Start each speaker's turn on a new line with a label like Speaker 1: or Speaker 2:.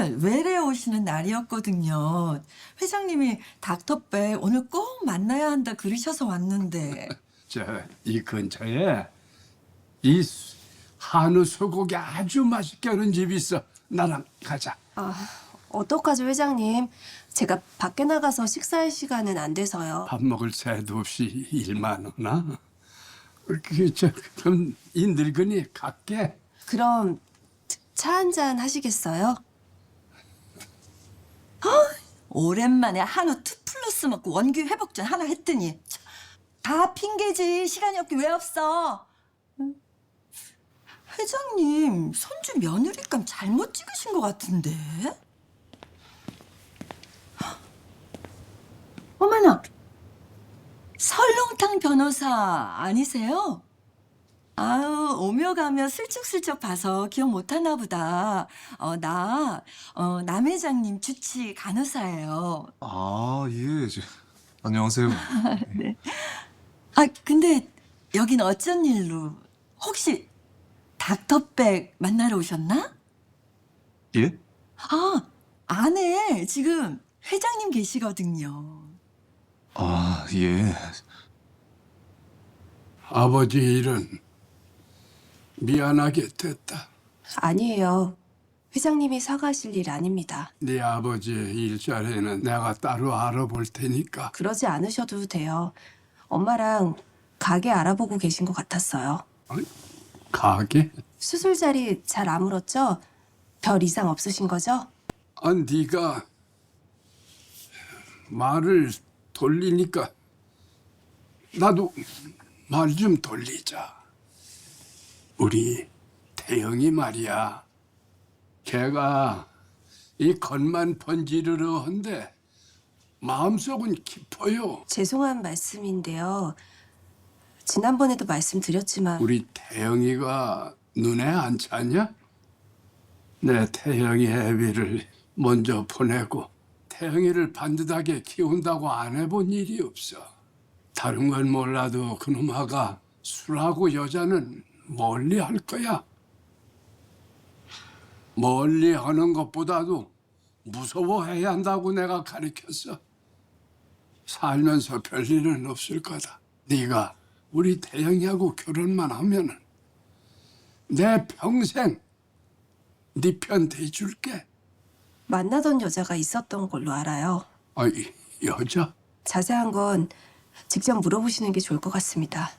Speaker 1: 날 외래 오시는 날이었거든요. 회장님이 닥터백 오늘 꼭 만나야 한다 그러셔서 왔는데.
Speaker 2: 이 근처에 이 한우 소고기 아주 맛있게 하는 집이 있어. 나랑 가자.
Speaker 3: 어떡하죠, 회장님? 제가 밖에 나가서 식사할 시간은 안 돼서요.
Speaker 2: 밥 먹을 새도 없이 일만 하나? 그럼 이 늙은이 갈게.
Speaker 3: 그럼 차 한 잔 하시겠어요?
Speaker 1: 오랜만에 한우 2플러스 먹고 원기 회복전 하나 했더니 다 핑계지. 시간이 없게 왜 없어? 응? 회장님 손주 며느리감 잘못 찍으신 것 같은데. 어머나, 설렁탕 변호사 아니세요? 아유, 오며 가며 슬쩍슬쩍 봐서 기억 못하나 보다. 남 회장님 주치 간호사예요.
Speaker 4: 아, 예. 안녕하세요.
Speaker 1: 아, 근데 여긴 어쩐 일로? 혹시 닥터백 만나러 오셨나?
Speaker 4: 예?
Speaker 1: 아, 안에 지금 회장님 계시거든요.
Speaker 4: 아, 예.
Speaker 2: 아버지 일은 미안하게 됐다.
Speaker 3: 아니에요. 회장님이 사과하실 일 아닙니다.
Speaker 2: 네 아버지의 일자리는 내가 따로 알아볼 테니까.
Speaker 3: 그러지 않으셔도 돼요. 엄마랑 가게 알아보고 계신 것 같았어요.
Speaker 2: 가게?
Speaker 3: 수술 자리 잘 아물었죠? 별 이상 없으신 거죠?
Speaker 2: 네가 말을 돌리니까 나도 말 좀 돌리자. 우리 태영이 말이야. 걔가 이 겉만 번지르르 한데 마음속은 깊어요.
Speaker 3: 죄송한 말씀인데요. 지난번에도 말씀드렸지만
Speaker 2: 우리 태영이가 눈에 안 차냐? 내 태영이 애비를 먼저 보내고 태영이를 반듯하게 키운다고 안 해본 일이 없어. 다른 건 몰라도 그놈 아가 술하고 여자는 멀리 할 거야. 멀리 하는 것보다도 무서워해야 한다고 내가 가르쳤어. 살면서 별일은 없을 거다. 네가 우리 태영이하고 결혼만 하면은 내 평생 네 편 대줄게.
Speaker 3: 만나던 여자가 있었던 걸로 알아요.
Speaker 2: 여자?
Speaker 3: 자세한 건 직접 물어보시는 게 좋을 것 같습니다.